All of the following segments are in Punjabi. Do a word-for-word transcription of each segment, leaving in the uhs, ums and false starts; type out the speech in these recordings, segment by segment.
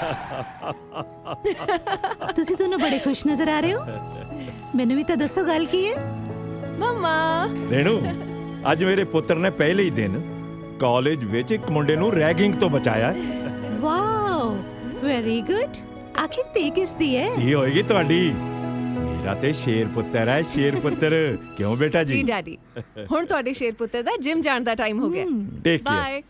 ਤੁਸੀਂ ਦੋਨੋਂ ਬੜੇ ਖੁਸ਼ ਨਜ਼ਰ ਆ ਰਹੇ ਹੋ। ਮੈਨੂੰ ਵੀ ਤਾਂ ਦੱਸੋ ਗੱਲ ਕੀ ਹੈ। ਮਮਾ ਰੇਣੂ, ਅੱਜ ਮੇਰੇ ਪੁੱਤਰ ਨੇ ਪਹਿਲੇ ਹੀ ਦਿਨ ਕਾਲਜ ਵਿੱਚ ਇੱਕ ਮੁੰਡੇ ਨੂੰ ਰੈਗਿੰਗ ਤੋਂ ਬਚਾਇਆ। Wow, very good. ਆਖਿਰ ਤੇ ਕਿਸ ਦੀ ਹੈ? ਇਹ ਹੋਏਗੀ ਤੁਹਾਡੀ। ਮੇਰਾ ਤੇ ਸ਼ੇਰ ਪੁੱਤਰ ਹੈ, ਸ਼ੇਰ ਪੁੱਤਰ। ਕਿਉਂ ਬੇਟਾ ਜੀ ਜੀ? ਡੈਡੀ, ਹੁਣ ਤੁਹਾਡੇ ਸ਼ੇਰ ਪੁੱਤਰ ਦਾ ਜਿਮ ਜਾਣ ਦਾ ਟਾਈਮ ਹੋ ਗਿਆ। Take bye.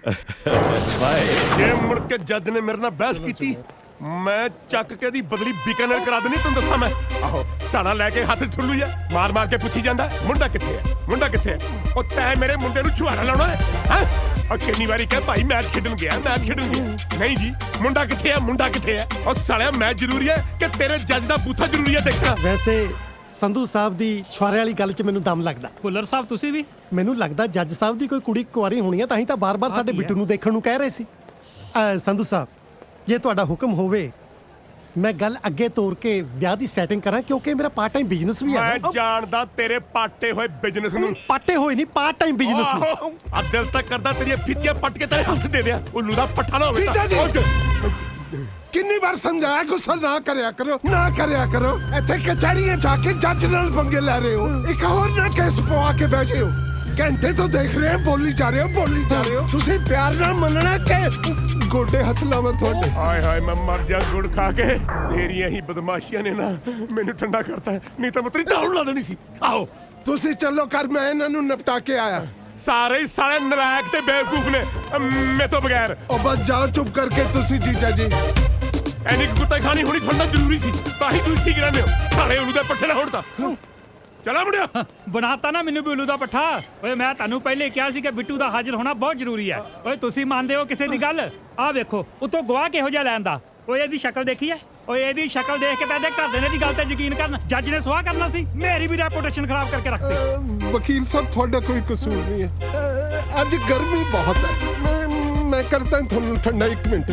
ਬਾਏ। ਜੇ ਮੁੜ ਕੇ ਜੱਜ ਨੇ ਮੇਰੇ ਨਾਲ ਬਹਿਸ ਕੀਤੀ, ਮੈਂ ਚੱਕ ਕੇ ਦੀ ਬਦਲੀ ਬੀਕਾਨੇਰ ਕਰਾ ਦੇਣੀ। ਤੈਨੂੰ ਦੱਸਾਂ ਮੈਂ। ਆਹੋ, ਸਾੜਾ ਲੈ ਕੇ ਹੱਥ ਠੁੱਲੂ ਆ, ਮਾਰ ਮਾਰ ਕੇ ਪੁੱਛੀ ਜਾਂਦਾ ਮੁੰਡਾ ਕਿੱਥੇ ਹੈ, ਮੁੰਡਾ ਕਿੱਥੇ ਹੈ। ਉਹ ਤੈਂ ਮੇਰੇ ਮੁੰਡੇ ਨੂੰ ਛੁਹਾਰਾ ਲਾਉਣਾ ਹੈ ਹੈਂ? ਉਹ ਕਿੰਨੀ ਵਾਰੀ ਕਹੇ ਭਾਈ ਮੈਚ ਖੇਡਣ ਗਿਆ, ਮੈਚ ਖੇਡਣ ਗਿਆ। ਨਹੀਂ ਜੀ, ਮੁੰਡਾ ਕਿੱਥੇ ਹੈ, ਮੁੰਡਾ ਕਿੱਥੇ ਹੈ। ਉਹ ਸਾਲਿਆ ਮੈਚ ਜ਼ਰੂਰੀ ਹੈ ਕਿ ਤੇਰੇ ਜੱਜ ਦਾ ਬੂਥਾ ਜ਼ਰੂਰੀ ਹੈ ਦੇਖਣਾ। ਵੈਸੇ ਸੰਧੂ ਸਾਹਿਬ ਦੀ ਛੁਆਰੇ ਵਾਲੀ ਗੱਲ 'ਚ ਮੈਨੂੰ ਦਮ ਲੱਗਦਾ। ਭੁੱਲਰ ਸਾਹਿਬ ਤੁਸੀਂ ਵੀ? ਮੈਨੂੰ ਲੱਗਦਾ ਜੱਜ ਸਾਹਿਬ ਦੀ ਕੋਈ ਕੁੜੀ ਕੁਆਰੀ ਹੋਣੀ ਆ, ਤਾਂ ਹੀ ਤਾਂ ਬਾਰ-ਬਾਰ ਸਾਡੇ ਬਿੱਟੂ ਨੂੰ ਦੇਖਣ ਨੂੰ ਕਹਿ ਰਹੇ ਸੀ। ਅਹ, ਸੰਧੂ ਸਾਹਿਬ, ਜੇ ਤੁਹਾਡਾ ਹੁਕਮ ਹੋਵੇ, ਮੈਂ ਗੱਲ ਅੱਗੇ ਤੋਰ ਕੇ ਵਿਆਹ ਦੀ ਸੈਟਿੰਗ ਕਰਾਂ, ਕਿਉਂਕਿ ਮੇਰਾ ਪਾਰਟ ਟਾਈਮ ਬਿਜ਼ਨਸ ਵੀ ਹੈ। ਮੈਂ ਜਾਣਦਾ ਤੇਰੇ ਪਾਟੇ ਹੋਏ ਬਿਜ਼ਨਸ ਨੂੰ। ਪਾਟੇ ਹੋਏ ਨਹੀਂ, ਪਾਰਟ ਟਾਈਮ ਬਿਜ਼ਨਸ ਨੂੰ। ਆਹੋ, ਆ ਦਿਲ ਤੱਕ ਕਰਦਾ ਤੇਰੀਆਂ ਫਿੱਤੀਆਂ ਪੱਟ ਕੇ ਤੇਰੇ ਹੱਥ ਦੇ ਦਿਆਂ। ਉੱਲੂ ਦਾ ਪੱਠਾ ਨਾ ਹੋਵੇ। ਜੀਜਾ ਜੀ। ਉੱਠ। ਕਿੰਨੀ ਵਾਰ ਸਮਝਾਇਆ ਗੁੱਸਾ ਨਾ ਕਰਿਆ ਕਰੋ, ਨਾ ਕਰਿਆ ਕਰੋ। ਇੱਥੇ ਕਚਹਿਰੀਆਂ ਜਾ ਕੇ ਜੱਜ ਨਾਲ ਪੰਗੇ ਲੈ ਰਹੇ ਹੋ। ਇੱਕ ਹੋਰ ਨਾ ਕੇਸ ਪਵਾ ਕੇ ਬੈਠੇ ਹੋ। ਘੰਟੇ ਤੋਂ ਦੇਖ ਰਹੇ ਹੋ, ਬੋਲੀ ਜਾ ਰਹੇ ਹੋ, ਬੋਲੀ ਜਾ ਰਹੇ ਹੋ। ਤੁਸੀਂ ਪਿਆਰ ਨਾਲ ਮੰਨਣਾ ਕਿ ਗੋਡੇ ਹੱਥ ਲਾਵਾਂ ਤੁਹਾਡੇ? ਹਾਏ ਹਾਏ, ਮੈਂ ਮਰ ਜਾ ਗੁੜ ਖਾ ਕੇ। ਤੇਰੀਆਂ ਹੀ ਬਦਮਾਸ਼ੀਆਂ ਨੇ ਨਾ ਮੈਨੂੰ ਠੰਡਾ ਕਰਤਾ ਹੈ, ਨਹੀਂ ਤਾਂ ਮੈਂ ਤੇਰੀ ਦਾਉਣ ਲਾ ਦੇਣੀ ਸੀ। ਆਓ ਤੁਸੀਂ ਚੱਲੋ ਕਰ, ਮੈਂ ਇਹਨਾਂ ਨੂੰ ਨਿਪਟਾ ਕੇ ਆਇਆ। ਸਾਰੇ ਹੀ ਸਾਲੇ ਨਲਾਇਕ ਤੇ ਬੇਵਕੂਫ ਨੇ ਮੇਰੇ ਤੋਂ ਬਗੈਰ। ਉਹ ਬਸ ਜਾਓ ਚੁੱਪ ਕਰਕੇ ਤੁਸੀਂ ਜੀਜਾ ਜੀ। ਐਨੀ ਕੁੱਤੇ ਖਾਣੀ ਹੋਣੀ ਠੰਡਾ ਜ਼ਰੂਰੀ ਸੀ, ਤਾਂ ਹੀ ਤੁਸੀਂ ਠੀਕ ਰਹਿੰਦੇ ਹੋ। ਸਾਲੇ ਉਹਨੂੰ ਦੇ ਪੱਠੇ ਨਾ ਹੋਣ ਤਾਂ। ਚਲਾ ਮੁੰਡਿਆ। ਬਣਾਤਾ ਨਾ ਮੈਨੂੰ ਬਿੱਲੂ ਦਾ ਪੱਠਾ। ਓਏ ਮੈਂ ਤੁਹਾਨੂੰ ਪਹਿਲੇ ਕਿਹਾ ਸੀ ਕਿ ਬਿੱਟੂ ਦਾ ਹਾਜ਼ਰ ਹੋਣਾ ਬਹੁਤ ਜ਼ਰੂਰੀ ਹੈ। ਓਏ ਤੁਸੀਂ ਮੰਨਦੇ ਹੋ ਕਿਸੇ ਦੀ ਗੱਲ? ਆਹ ਵੇਖੋ, ਉਤੋਂ ਗਵਾਹ ਕਿਹੋ ਜਿਹਾ ਲੈਣ ਦਾ। ਓਏ ਇਹਦੀ ਸ਼ਕਲ ਦੇਖੀ ਹੈ? ਓਏ ਇਹਦੀ ਸ਼ਕਲ ਦੇਖ ਕੇ ਤਾਂ ਇਹਦੇ ਘਰ ਦੇ ਨੇ ਦੀ ਗੱਲ ਤੇ ਯਕੀਨ ਕਰਨ। ਜੱਜ ਨੇ ਸਵਾਹ ਕਰਨਾ ਸੀ, ਮੇਰੀ ਵੀ ਰੈਪੂਟੇਸ਼ਨ ਖਰਾਬ ਕਰਕੇ ਰੱਖਤੀ। ਅਹ, ਵਕੀਲ ਸਾਹਿਬ ਤੁਹਾਡਾ ਕੋਈ ਕਸੂਰ ਨਹੀਂ ਹੈ। ਅਹ, ਅੱਜ ਗਰਮੀ ਬਹੁਤ ਹੈ। ਮੈਂ ਮੈਂ ਕਰਦਾ ਤੁਹਾਨੂੰ ਠੰਡਾ। ਇੱਕ ਮਿੰਟ,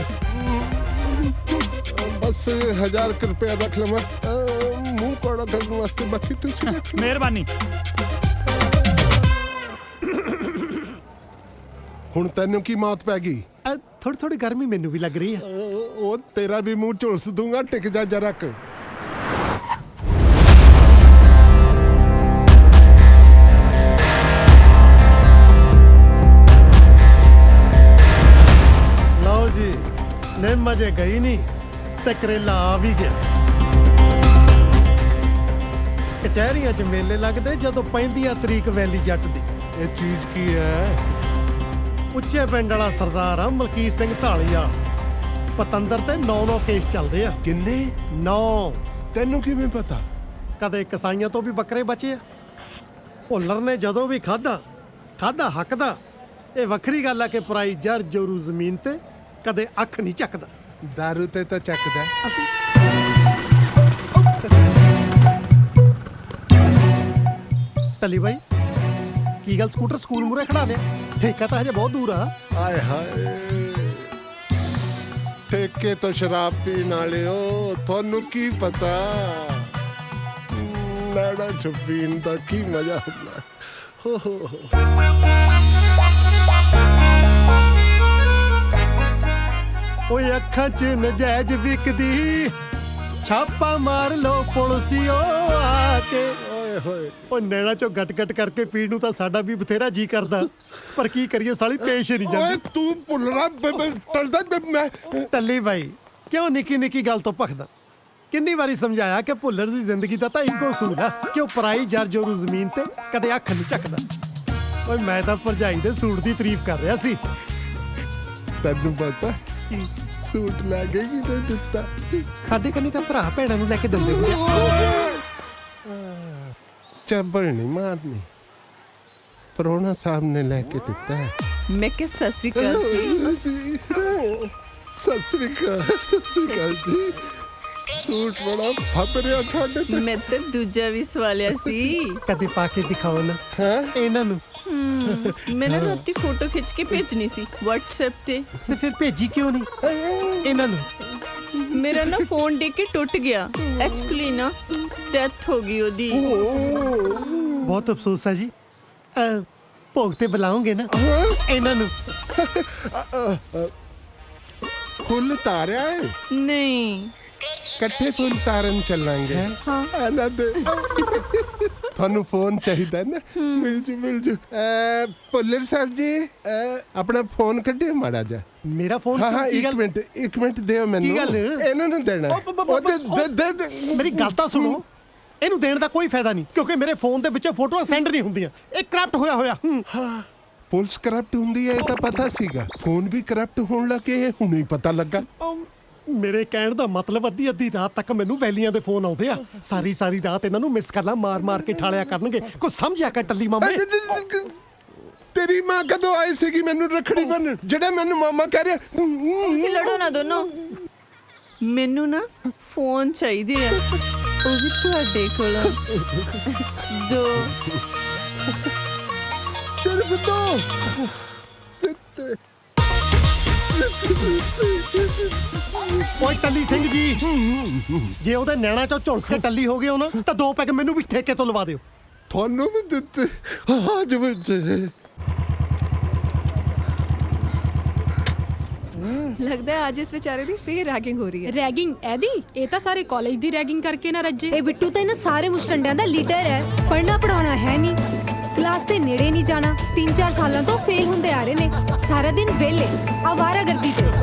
ਬਸ ਹਜ਼ਾਰ ਕੁ ਰੁਪਇਆ ਰੱਖ ਲਵਾਂ ਮੂੰਹ ਕੋੜਾ ਕਰਨ ਵਾਸਤੇ। ਬਾਕੀ ਤੁਸੀਂ ਮਿਹਰਬਾਨੀ। ਹੁਣ ਤੈਨੂੰ ਕੀ ਮੌਤ ਪੈ ਗਈ? ਥੋੜੀ ਥੋੜੀ ਗਰਮੀ ਮੈਨੂੰ ਵੀ ਲੱਗ ਰਹੀ ਹੈ। ਅਹ, ਉਹ ਤੇਰਾ ਵੀ ਮੂੰਹ ਝੁਲਸ ਦੂੰਗਾ। ਟਿਕ ਜਾ ਜਰਾ ਕੁ। ਲਓ ਜੀ, ਨਿੰਮ ਅਜੇ ਗਈ ਨਹੀਂ ਤੇ ਕਰੇਲਾ ਆ ਵੀ ਗਿਆ। ਕਚਹਿਰੀਆਂ 'ਚ ਮੇਲੇ ਲੱਗਦੇ ਜਦੋਂ ਪੈਂਦੀਆਂ ਤਰੀਕ ਵੈਲੀ ਜੱਟ ਦੀ। ਇਹ ਚੀਜ਼ ਕੀ ਹੈ? ਉੱਚੇ ਪਿੰਡ ਵਾਲਾ ਸਰਦਾਰ ਆ ਮਲਕੀਤ ਸਿੰਘ ਢਾਲੀਆ। ਪਤੰਦਰ ਤੇ ਨੌ ਨੌ ਕੇਸ ਚੱਲਦੇ ਆ। ਕਿੰਨੇ? ਨੌ। ਤੈਨੂੰ ਕਿਵੇਂ ਪਤਾ? ਕਦੇ ਕਸਾਈਆਂ ਤੋਂ ਵੀ ਬੱਕਰੇ ਬਚੇ ਆ। ਭੁੱਲਰ ਨੇ ਜਦੋਂ ਵੀ ਖਾਦਾ ਖਾਦਾ ਹੱਕ ਦਾ। ਇਹ ਵੱਖਰੀ ਗੱਲ ਆ ਕਿ ਪਰਾਈ ਜਰ ਜੋਰੂ ਜ਼ਮੀਨ ਤੇ ਕਦੇ ਅੱਖ ਨਹੀਂ ਚੱਕਦਾ। ਦਾਰੂ ਤੇ ਤਾਂ ਚੱਕਦਾ। ਟੱਲੀ ਬਾਈ, ਕੀ ਗੱਲ ਸਕੂਟਰ ਸਕੂਲ ਮੂਰੇ ਖੜਾ ਲਿਆ? ਠੇਕਾ ਤਾਂ ਹਜੇ ਬਹੁਤ ਦੂਰ ਆ। ਆਏ ਹਾਏ, ਠੇਕੇ ਤੋਂ ਸ਼ਰਾਬ ਪੀਣ ਵਾਲੇ ਹੋ, ਤੁਹਾਨੂੰ ਕੀ ਪਤਾ ਨਾੜਾ ਛਪੀਣ ਦਾ ਕੀ ਮਜ਼ਾ ਹੁੰਦਾ। ਹੋ ਹੋ ਹੋ। ਓਏ ਅੱਖਾਂ 'ਚ ਨਜਾਇਜ਼ ਵਿਕਦੀ, ਛਾਪਾ ਮਾਰ ਲੋ ਪੁਲਿਸਿਓ ਆ ਕੇ। ਓਏ ਹੋਏ, ਓ ਨੈਣਾ 'ਚੋਂ ਗੱਟ ਗੱਟ ਕਰਕੇ ਪੀਣ ਨੂੰ ਤਾਂ ਸਾਡਾ ਵੀ ਬਥੇਰਾ ਜੀ ਕਰਦਾ, ਪਰ ਕੀ ਕਰੀਏ ਸਾਲੀ ਪੇਸ਼ ਨਹੀਂ ਓਏ ਜਾਂਦੀ। ਤੂੰ ਭੁੱਲਣਾ ਟਲਦਾ ਮੈਂ। ਟੱਲੀ ਬਾਈ, ਕਿਉਂ ਨਿੱਕੀ ਨਿੱਕੀ ਗੱਲ ਤੋਂ ਭਖਦਾ? ਕਿੰਨੀ ਵਾਰੀ ਸਮਝਾਇਆ ਕਿ ਭੁੱਲਰ ਦੀ ਜ਼ਿੰਦਗੀ ਦਾ ਤਾਂ ਇੱਕੋ ਅਸੂਲ ਆ ਕਿ ਉਹ ਪਰਾਈ ਜਰ ਜੋਰੂ ਜ਼ਮੀਨ ਤੇ ਕਦੇ ਅੱਖ ਨਹੀਂ ਚੱਕਦਾ। ਓਏ ਮੈਂ ਤਾਂ ਭਰਜਾਈ ਦੇ ਸੂਟ ਦੀ ਤਾਰੀਫ ਕਰ ਰਿਹਾ ਸੀ। ਤੈਨੂੰ ਪਤਾ ਸੂਟ ਲੈ ਕੇ ਕੀ ਨਹੀਂ ਦਿੱਤਾ? ਸਾਡੇ ਕੰਨੀ ਤਾਂ ਭਰਾ ਭੈਣਾਂ ਨੂੰ ਲੈ ਕੇ ਦਿੰਦੇ ਹੁੰਦੇ ਆ। ਚੱਬਲ ਨਹੀਂ ਮਾਰਨੀ, ਪਰੋਣਾ ਸਾਹਿਬ ਨੇ ਲੈ ਕੇ ਦਿੱਤਾ ਹੈ। ਮੈਂ ਕਿ ਸਤਿ ਸ੍ਰੀ ਅਕਾਲ ਜੀ। ਸਤਿ ਸ੍ਰੀ ਅਕਾਲ, ਸਤਿ ਸ੍ਰੀ ਅਕਾਲ ਜੀ। ਸੂਟ ਬੜਾ ਫੱਬ ਰਿਹਾ ਤੁਹਾਡੇ ਤੇ। ਮੈਂ ਤਾਂ ਦੂਜਾ ਵੀ ਸਵਾਲਿਆ ਸੀ। ਕਦੇ ਪਾ ਕੇ ਦਿਖਾਓ ਨਾ ਹੈਂ? ਇਹਨਾਂ ਨੂੰ। ਮੈਂ ਨਾ ਰਾਤੀ ਫੋਟੋ ਖਿੱਚ ਕੇ ਭੇਜਣੀ ਸੀ WhatsApp ਤੇ। ਤੇ ਫਿਰ ਭੇਜੀ ਕਿਉਂ ਨਹੀਂ ਇਹਨਾਂ ਨੂੰ? ਮੇਰਾ ਨਾ ਫੋਨ ਡੇ ਕੇ ਟੁੱਟ ਗਿਆ। ਐਕਚੁਅਲੀ ਨਾ ਡੈਥ ਹੋ ਗਈ ਉਹਦੀ। ਬਹੁਤ ਅਫਸੋਸ ਹੈ ਜੀ। ਅਹ, ਭੋਗ ਤੇ ਬੁਲਾਉਂਗੇ ਨਾ ਇਹਨਾਂ ਨੂੰ? ਫੁੱਲ ਤਾਰਿਆ ਹੈ ਨਹੀਂ ਇਕੱਠੇ ਫੁੱਲ ਤਾਰਨ ਚੱਲਾਂਗੇ ਹਾਂ ਆਨੰਦ ਤੁਹਾਨੂੰ ਫੋਨ ਚਾਹੀਦਾ ਨਾ ਮਿਲ ਜੂ ਮਿਲ ਜੂ ਅਹ, ਭੁੱਲਰ ਸਾਹਿਬ ਜੀ ਅਹ, ਆਪਣਾ ਫੋਨ ਕੱਢਿਓ ਮਾੜਾ ਜਾ ਮੇਰਾ ਫੋਨ ਹਾਂ ਹਾਂ ਕੀ ਇੱਕ ਗੱਲ- ਮਿੰਟ ਇੱਕ ਮਿੰਟ ਦਿਓ ਮੈਨੂੰ ਗੱਲ? ਇਹਨਾਂ ਨੂੰ ਦੇਣਾ ਉਹ ਬ- ਬ- ਉਹ ਦੇ- ਉਹ- ਦੇ- ਦੇ- ਦੇ- ਮੇਰੀ ਗੱਲ ਤਾਂ ਸੁਣੋ ਇਹਨੂੰ ਦੇਣ ਦਾ ਕੋਈ ਫਾਇਦਾ ਨਹੀਂ ਕਿਉਂਕਿ ਮੇਰੇ ਫੋਨ ਦੇ ਵਿੱਚ ਫੋਟੋਆਂ ਸੈਂਡ ਨਹੀਂ ਹੁੰਦੀਆਂ ਇਹ ਕਰਪਟ ਹੋਇਆ ਹੋਇਆ ਹੂੰ। ਪੁਲਿਸ ਕਰਪਟ ਹੁੰਦੀ ਹੈ ਇਹ ਤਾਂ ਪਤਾ ਸੀਗਾ ਫੋਨ ਵੀ ਕਰਪਟ ਹੋਣ ਲੱਗੇ ਇਹ ਹੁਣੇ ਹੀ ਪਤਾ ਲੱਗਾ ਉਹ ਮੇਰੇ ਕਹਿਣ ਦਾ ਮਤਲਬ ਅੱਧੀ ਅੱਧੀ ਰਾਤ ਤੱਕ ਮੈਨੂੰ ਵੈਲੀਆਂ ਦੇ ਫੋਨ ਆਉਂਦੇ ਆ ਸਾਰੀ ਸਾਰੀ ਰਾਤ ਇਹਨਾਂ ਨੂੰ ਮਿਸ ਕਾਲਾਂ ਮਾਰ ਮਾਰ ਕੇ ਠਾਲਿਆ ਕਰਨਗੇ ਕੁਛ ਸਮਝਿਆ ਕਰ ਟੱਲੀ ਮਾਮੇ ਤੇਰੀ ਮਾਂ ਕਦੋਂ ਆਈ ਸੀਗੀ ਮੈਨੂੰ ਰੱਖੜੀ ਬੰਨਣ ਜਿਹੜਾ ਮੈਨੂੰ ਮਾਮਾ ਕਹਿ ਰਿਹਾ ਤੁਸੀਂ ਲੜੋ ਨਾ ਦੋਨੋਂ ਮੈਨੂੰ ਨਾ ਫੋਨ ਚਾਹੀਦੇ ਆ ਉਹ ਵੀ ਤੁਹਾਡੇ ਕੋਲ ਦੋ ਸ਼ਰਮ ਦੋ ਓਏ ਟੱਲੀ ਸਿੰਘ ਜੀ ਜੇ ਉਹਦੇ ਨੈਣਾ ਚੋਂ ਝੁਲਸ ਕੇ ਟੱਲੀ ਹੋ ਗਏ ਹੋ ਨਾ ਤਾਂ ਦੋ ਪੈਗ ਮੈਨੂੰ ਵੀ ਠੇਕੇ ਤੋਂ ਲਵਾ ਦਿਓ ਤੁਹਾਨੂੰ ਵੀ ਦਿੱਤੇ ਅੱਜ ਵਿੱਚ ਲੱਗਦਾ ਹੈ ਅੱਜ ਇਸ ਵਿਚਾਰੇ ਦੀ ਫੇਰ ਰੈਗਿੰਗ ਹੋ ਰਹੀ ਹੈ। ਰੈਗਿੰਗ ਇਹਦੀ ਇਹ ਤਾਂ ਸਾਰੇ ਕਾਲਜ ਦੀ ਰੈਗਿੰਗ ਕਰਕੇ ਨਾ ਰੱਜੇ। ਇਹ ਬਿੱਟੂ ਤਾਂ ਇਹਨਾਂ ਸਾਰੇ ਮੁਸ਼ਟੰਡਿਆਂ ਦਾ ਲੀਡਰ ਹੈ ਪੜ੍ਹਨਾ ਪੜਾਉਣਾ ਹੈ ਨਹੀਂ ਕਲਾਸ ਦੇ ਨੇੜੇ ਨਹੀਂ ਜਾਣਾ ਤਿੰਨ ਚਾਰ ਸਾਲਾਂ ਤੋਂ ਫੇਲ ਹੁੰਦੇ ਆ ਰਹੇ ਨੇ ਸਾਰਾ ਦਿਨ ਵਿਹਲੇ ਆਵਾਰਾਗਰਦੀ ਤੇ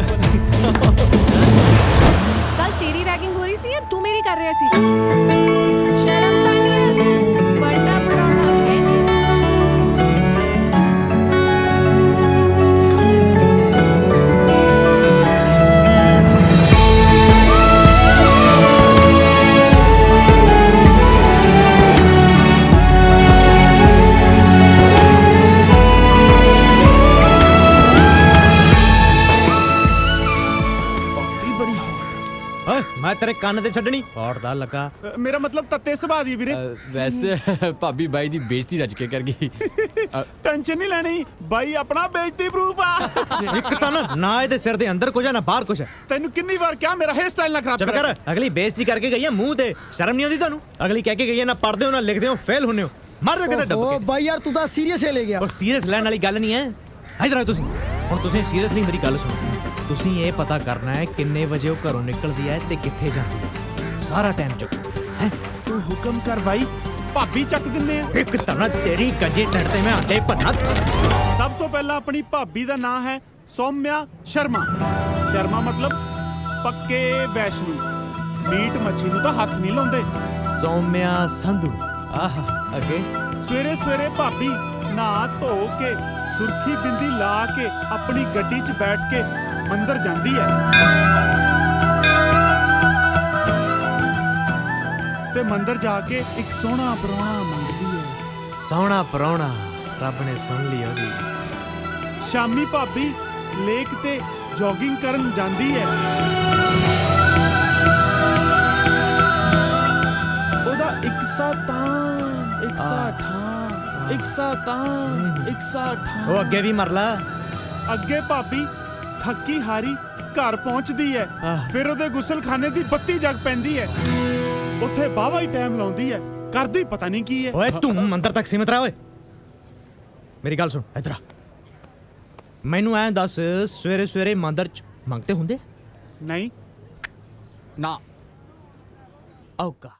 ਕੱਲ ਤੇਰੀ ਰੈਗਿੰਗ ਹੋ ਰਹੀ ਸੀ ਜਾਂ ਤੂੰ ਮੇਰੀ ਕਰ ਰਿਹਾ ਸੀ? ਸ਼ਰਮ ਤਾਂ ਨਹੀਂ ਆਉਂਦੀ ਪੜ੍ਹਨਾ ਪੜਾਉਣਾ ਹੈ ਨਹੀਂ। ਮੈਂ ਤੇਰੇ ਕੰਨ ਤੇ ਛੱਡਣੀ ਫੋੜਦਾ ਲੱਗਾ ਮੇਰਾ ਮਤਲਬ ਤੱਤੇ ਸੁਭਾਅ ਦੀ ਵੀਰੇ ਵੈਸੇ ਭਾਬੀ ਬਾਈ ਦੀ ਬੇਇੱਜ਼ਤੀ ਰੱਜ ਕੇ ਕਰ ਗਈ ਟੈਨਸ਼ਨ ਨਹੀਂ ਲੈਣੀ ਬਾਈ ਆਪਣਾ ਬੇਇੱਜ਼ਤੀ ਪ੍ਰੂਫ ਆ ਇੱਕ ਤਾਂ ਨਾ ਨਾ ਇਹਦੇ ਸਿਰ ਦੇ ਅੰਦਰ ਕੁਝ ਆ ਨਾ ਬਾਹਰ ਕੁਝ ਹੈ ਤੈਨੂੰ ਕਿੰਨੀ ਵਾਰ ਕਿਹਾ ਮੇਰਾ ਹੇਅਰ ਸਟਾਈਲ ਨਾ ਖਰਾਬ ਚੱਪ ਕਰ ਅਗਲੀ ਬੇਇੱਜ਼ਤੀ ਕਰਕੇ ਗਈ ਆ ਮੂੰਹ ਤੇ ਸ਼ਰਮ ਨਹੀਂ ਆਉਂਦੀ ਤੁਹਾਨੂੰ ਅਗਲੀ ਕਹਿ ਕੇ ਗਈ ਆ ਨਾ ਪੜਦੇ ਹੋ ਨਾ ਲਿਖਦੇ ਹੋ ਫੇਲ ਹੁੰਨੇ ਹੋ ਮਰ ਜਾ ਕਿਤੇ ਡੱਬ ਕੇ ਬਾਈ ਯਾਰ ਤੂੰ ਤਾਂ ਸੀਰੀਅਸ ਲੈ ਗਿਆ ਉਹ ਸੀਰੀਅਸ ਲੈਣ ਵਾਲੀ ਗੱਲ ਨਹੀਂ ਹੈ ਇਧਰ ਆਓ ਤੁਸੀਂ ਹੁਣ ਤੁਸੀਂ ਸੀਰੀਅਸਲੀ ਮੇਰੀ ਗੱਲ ਸੁਣੋ ਤੁਸੀਂ ਇਹ ਪਤਾ ਕਰਨਾ ਹੈ ਕਿੰਨੇ ਵਜੇ ਉਹ ਘਰੋਂ ਨਿਕਲਦੀ ਹੈ ਤੇ ਕਿੱਥੇ ਜਾਂਦੀ ਹੈ ਸਾਰਾ ਟਾਈਮ ਚੁੱਕ ਹੈ ਤੂੰ ਹੁਕਮ ਕਰ ਬਾਈ ਭਾਬੀ ਚੱਕ ਦਿੰਨੇ ਆ ਇੱਕ ਤਾਂ ਤੇਰੀ ਕੰਜੇ ਟੱਟ ਤੇ ਮੈਂ ਆਂਡੇ ਭੰਨਾ ਸਭ ਤੋਂ ਪਹਿਲਾਂ ਆਪਣੀ ਭਾਬੀ ਦਾ ਨਾਮ ਹੈ ਸੌਮਿਆ ਸ਼ਰਮਾ ਸ਼ਰਮਾ ਮਤਲਬ ਪੱਕੇ ਵੈਸ਼ਨੂ ਮੀਟ ਮੱਛੀ ਨੂੰ ਤਾਂ ਹੱਥ ਨਹੀਂ ਲਾਉਂਦੇ ਸੌਮਿਆ ਸੰਧੂ ਆਹ ਅੱਗੇ ਸਵੇਰੇ ਸਵੇਰੇ ਭਾਬੀ ਨਹਾ ਧੋ ਕੇ ਸੁਰਖੀ ਬਿੰਦੀ ਲਾ ਕੇ ਆਪਣੀ ਗੱਡੀ 'ਚ ਬੈਠ ਕੇ ਮੰਦਰ ਜਾਂਦੀ ਹੈ ਤੇ ਮੰਦਰ ਜਾ ਕੇ ਇੱਕ ਸੋਹਣਾ ਪਰੌਣਾ ਮੰਗਦੀ ਹੈ ਸੋਹਣਾ ਪਰੌਣਾ ਰੱਬ ਨੇ ਸੁਣ ਲਈ ਉਹਦੀ ਸ਼ਾਮੀ ਭਾਬੀ ਲੇਕ ਤੇ ਜੋਗਿੰਗ ਕਰਨ ਜਾਂਦੀ ਹੈ ਉਹਦਾ ਇੱਕ ਸਾ ਤਾਂ ਇੱਕ ਸਾ ਠਾਂ ਇੱਕ ਸਾ ਤਾਂ ਇੱਕ ਸਾ ਠਾਂ ਉਹ ਅੱਗੇ ਵੀ ਮਰ ਲਾ ਅੱਗੇ ਭਾਬੀ ਥੱਕੀ ਹਾਰੀ ਘਰ ਪਹੁੰਚਦੀ ਹੈ ਆਹ। ਫਿਰ ਉਹਦੇ ਗੁਸਲਖਾਨੇ ਦੀ ਬੱਤੀ ਜਗ ਪੈਂਦੀ ਹੈ ਉੱਥੇ ਬਾਵਾ ਹੀ ਟਾਈਮ ਲਾਉਂਦੀ ਹੈ ਕਰਦੀ ਪਤਾ ਨਹੀਂ ਕੀ ਹੈ ਓਏ ਤੂੰ ਮੰਦਰ ਤੱਕ ਸੀਮਤ ਰਹਿ ਓਏ ਮੇਰੀ ਗੱਲ ਸੁਣ ਇਧਰ ਆ ਮੈਨੂੰ ਐਂ ਦੱਸ ਸਵੇਰੇ ਸਵੇਰੇ ਮੰਦਰ ਚ ਮੰਗਤੇ ਹੁੰਦੇ ਨਹੀਂ ਨਾ ਔਕਾ